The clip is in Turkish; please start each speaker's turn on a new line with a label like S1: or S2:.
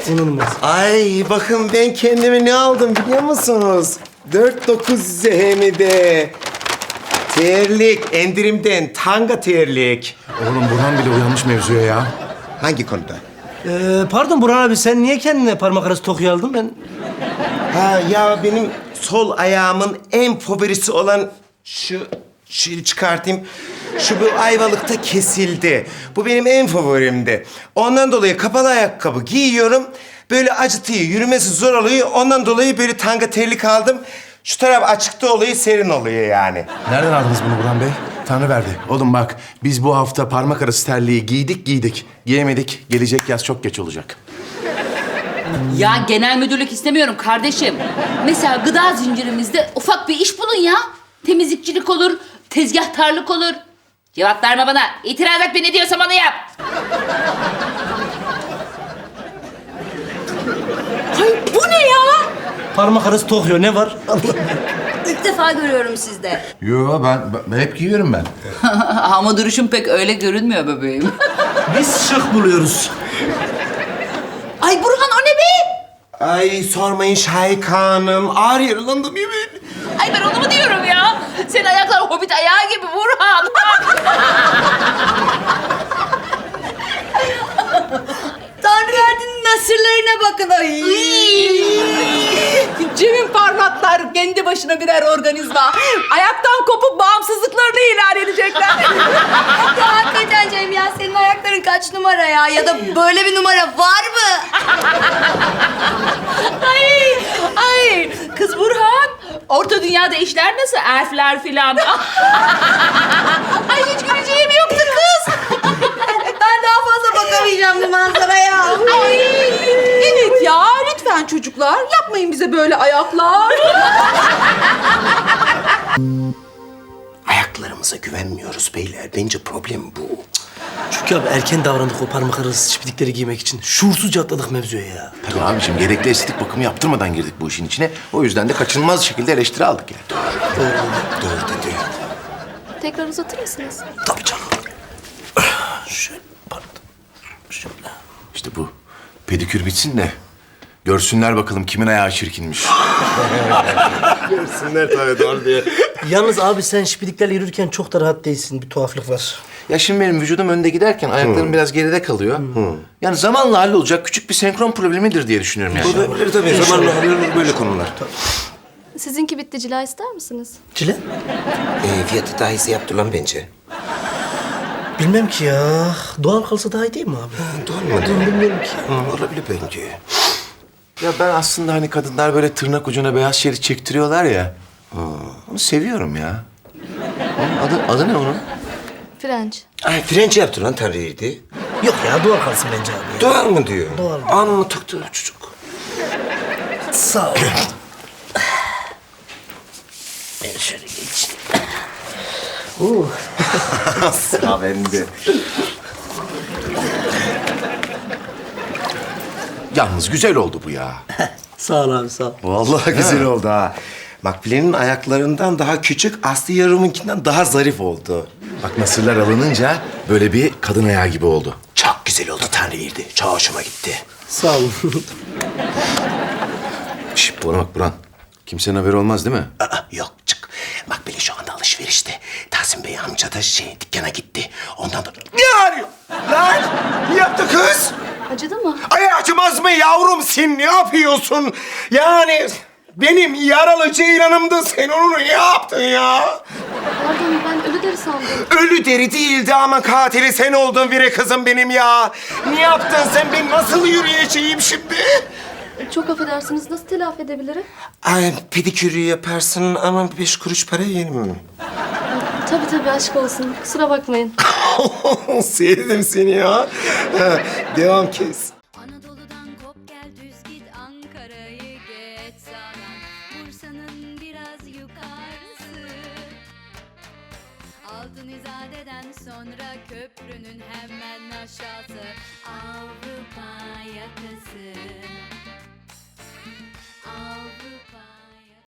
S1: İnanılmaz.
S2: Ay bakın ben kendime ne aldım biliyor musunuz? 4.9 hem de. Terlik, endirimden tanga terlik.
S3: Oğlum Burhan bile uyanmış mevzuya ya.
S2: Hangi konuda?
S1: Pardon Burhan abi, sen niye kendine parmak arası tokuyu aldın? Ben...
S2: Ha ya benim sol ayağımın en favorisi olan şu çıkartayım. Şu bu Ayvalık'ta kesildi. Bu benim en favorimdi. Ondan dolayı kapalı ayakkabı giyiyorum. Böyle acıtıyor, yürümesi zor oluyor. Ondan dolayı böyle tanga terlik aldım. Şu taraf açıkta oluyor, serin oluyor yani.
S3: Nereden aldınız bunu Burhan Bey? Tanrı verdi. Oğlum bak, biz bu hafta parmak arası terliği giydik. Giyemedik. Gelecek yaz çok geç olacak.
S4: Ya genel müdürlük istemiyorum kardeşim. Mesela gıda zincirimizde ufak bir iş bulun ya. Temizlikçilik olur, tezgahtarlık olur. Cevap verme bana. İtiraz et, ben ne diyorsam onu yap. Ay bu ne ya?
S1: Parmak arası tokuyor, ne var?
S5: İlk defa görüyorum sizde.
S3: Yo ben hep giyiyorum ben.
S4: Ama duruşum pek öyle görünmüyor bebeğim.
S1: Biz şık buluyoruz.
S4: Ay Burhan, o ne be?
S2: Ay sormayın Şahika Hanım. Ağır yaralandım yemin.
S4: Ay ben onu mu diyorum ya? Senin ayaklar hobbit ayağı gibi Burhan.
S5: Tanrı verdiğinin nasırlarına bakın. Ay.
S6: Cem'in parmaklar kendi başına birer organizma. Ayaktan kopup bağımsızlıklarını ilan edecekler.
S5: Ya hakikaten Cem ya, senin ayakların kaç numara ya? Ya da böyle bir numara var mı?
S4: Ay kız Burhan. Orta dünyada işler nasıl? Elfler filan. Ay hiç güleceğim yoktu kız.
S5: Ben daha fazla bakamayacağım bu manzaraya.
S6: Evet ya, lütfen çocuklar yapmayın bize böyle ayaklar.
S2: Ayaklarımıza güvenmiyoruz beyler. Bence problem bu.
S1: Çünkü abi erken davrandık o parmak arası çiplikleri giymek için. Şuursuzca atladık mevzuya ya.
S3: Tabii abiciğim, gerekli estetik bakımı yaptırmadan girdik bu işin içine. O yüzden de kaçınılmaz şekilde eleştiri aldık yani.
S2: Doğru dedi.
S7: Tekrar uzatır mısınız?
S1: Tabii canım. Şöyle, pardon. Şöyle.
S3: İşte bu pedikür bitsin de görsünler bakalım kimin ayağı çirkinmiş.
S2: Görsünler tabii doğru diye.
S1: Yalnız abi sen şipidiklerle yürürken çok da rahat değilsin. Bir tuhaflık var.
S3: Ya şimdi benim vücudum önde giderken ayaklarım biraz geride kalıyor. Yani zamanla hallolacak küçük bir senkron problemidir diye düşünüyorum yani.
S2: Olabilir tabii. Zamanla hallolur böyle konular.
S7: Sizinki bitti, cila ister misiniz?
S1: Cile?
S2: Fiyatı daha iyisi yaptı lan bence.
S1: Bilmem ki ya. Doğal kalsa daha iyi değil mi abi?
S2: Doğru mu?
S1: Bilmiyorum ki.
S2: Olabilir bence.
S3: Ya ben aslında hani kadınlar böyle tırnak ucuna beyaz şerit çektiriyorlar ya. Onu seviyorum ya. Onun adı ne onun?
S7: French.
S2: Ay French yaptı lan Tanrı'ydı.
S1: Yok ya, doğal kalsın bence abi.
S2: Doğal mı diyor?
S1: Doğal.
S2: Anını tıktı çocuk.
S1: Sağ ol. Ben şöyle geçeyim.
S2: Sıra bende.
S3: Yalnız güzel oldu bu ya.
S1: Sağ ol abi, sağ ol.
S2: Vallahi güzel oldu ha. Makbule'nin ayaklarından daha küçük, Aslı yarımınkinden daha zarif oldu.
S3: Bak nasırlar alınınca böyle bir kadın ayağı gibi oldu.
S2: Çok güzel oldu Tanrı'ydı. Çok hoşuma gitti.
S1: Sağ olun.
S3: Şş, bana bak Burhan. Kimsenin haberi olmaz değil mi?
S2: Yok çık. Makbule şu anda alışverişte. Tahsin Bey amca da dükkana gitti. Ondan da... Ne arıyor? Lan! Ne yaptı kız?
S7: Acıdı mı?
S2: Ay acımaz mı yavrum sen ne yapıyorsun? Yani benim yaralı ceylanımdı, sen onu ne yaptın ya?
S7: Pardon, ben ölü deri sandım.
S2: Ölü deri değildi ama katili sen oldun vire kızım benim ya. Ne yaptın sen, ben nasıl yürüyeceğim şimdi?
S7: Çok affedersiniz, nasıl telafi edebilirim?
S2: Ay pedikürü yaparsın ama 5 kuruş para yerim.
S7: Tabii aşk olsun, kusura bakmayın.
S2: Sevdim seni ya. Ha, devam kes.
S8: Anadolu'dan kop gel düz git Ankara'yı geç sağdan Bursa'nın biraz yukarısı Altın İzade'den sonra köprünün hemen aşağısı Avrupa yakası